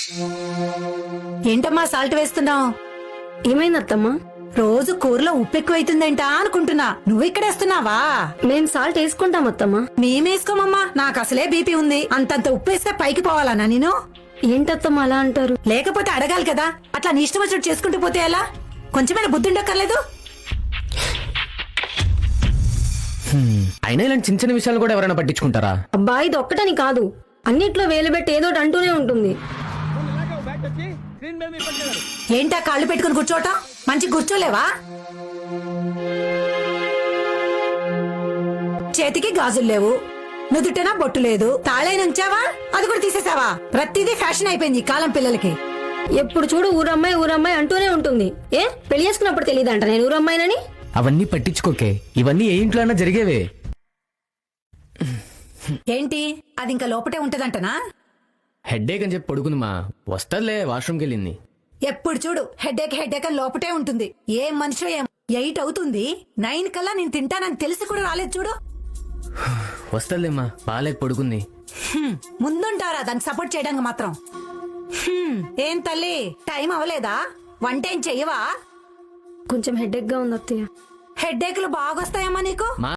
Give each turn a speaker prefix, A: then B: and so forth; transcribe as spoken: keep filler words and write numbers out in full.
A: ఏంటమ్మా సాల్ట్ వేస్తున్నావు?
B: ఏమైంది అత్తమ్మా?
A: రోజు కూరలో ఉప్పు ఎక్కువైతుందేంటా అనుకుంటున్నా. నువ్వు ఇక్కడేస్తున్నావా?
B: మేం సాల్ట్ వేసుకుంటాం అత్తమ్మా.
A: మేమేసుకోమమ్మా, నాకు అసలే బీపీ ఉంది. అంతంత ఉప్పు వేస్తే పైకి పోవాలనా నేను?
B: ఏంటత్తమ్మా అలా అంటారు?
A: లేకపోతే అడగాలి కదా. అట్లా నీ ఇష్టం వచ్చినట్టు చేసుకుంటూ పోతే ఎలా? కొంచెమైనా బుద్ధి ఉండక్కర్లేదు?
C: అయినా ఇలాంటి చిన్న చిన్న విషయాలు కూడా ఎవరైనా పట్టించుకుంటారా?
B: అబ్బా ఇది ఒక్కటని కాదు, అన్నిట్లో వేలు పెట్టి ఏదో ఒకటి అంటూనే ఉంటుంది.
A: ఏంటా కాళ్ళు పెట్టుకుని కూర్చోటం? మంచి కూర్చోలేవా? చేతికి గాజులు లేవు, నుదుటనా బొట్టు లేదు, తాళైన ఉంచావా? అది కూడా తీసేసావా? ప్రతిదీ ఫ్యాషన్ అయిపోయింది ఈ కాలం పిల్లలకి.
B: ఎప్పుడు చూడు ఊరమ్మాయి ఊరమ్మాయి అంటూనే ఉంటుంది. ఏ పెళ్లి చేసుకున్నప్పుడు తెలియదంట నేను ఊరమ్మాయినని?
C: అవన్నీ పట్టించుకోకే, ఇవన్నీ ఏ ఇంట్లో అయినా జరిగేవే.
A: ఏంటి అది ఇంకా లోపటే ఉంటదంటనా?
C: హెడ్ఏక్ అని చెప్పి పడుకుంది మా, వస్తాలే వాష్రూమ్కి వెళ్ళింది.
A: ఎప్పుడు చూడు హెడ్ఏక్ హెడ్ఏక్ అని లోపటే ఉంటుంది. ఏ మనిషి ఏం ఎయిట్ అవుతుంది, నైన్ కల్లా నేను తింటానని తెలిసి కూడా రాలేదు చూడు.
C: వస్తాలేమ్మా, బాలేక పడుకుంది.
A: హ్మ్, ముందుంటారా దానికి సపోర్ట్ చేయడానికి మాత్రం? హ్మ్, ఏం తల్లి టైం అవ్వలేదా? వంట ఏం చెయ్యవా?
B: కొంచెం హెడేక్ గా ఉంది అత్తయ్య.
A: హెడ్ఏక్లు బాగొస్తాయమ్మా నీకు?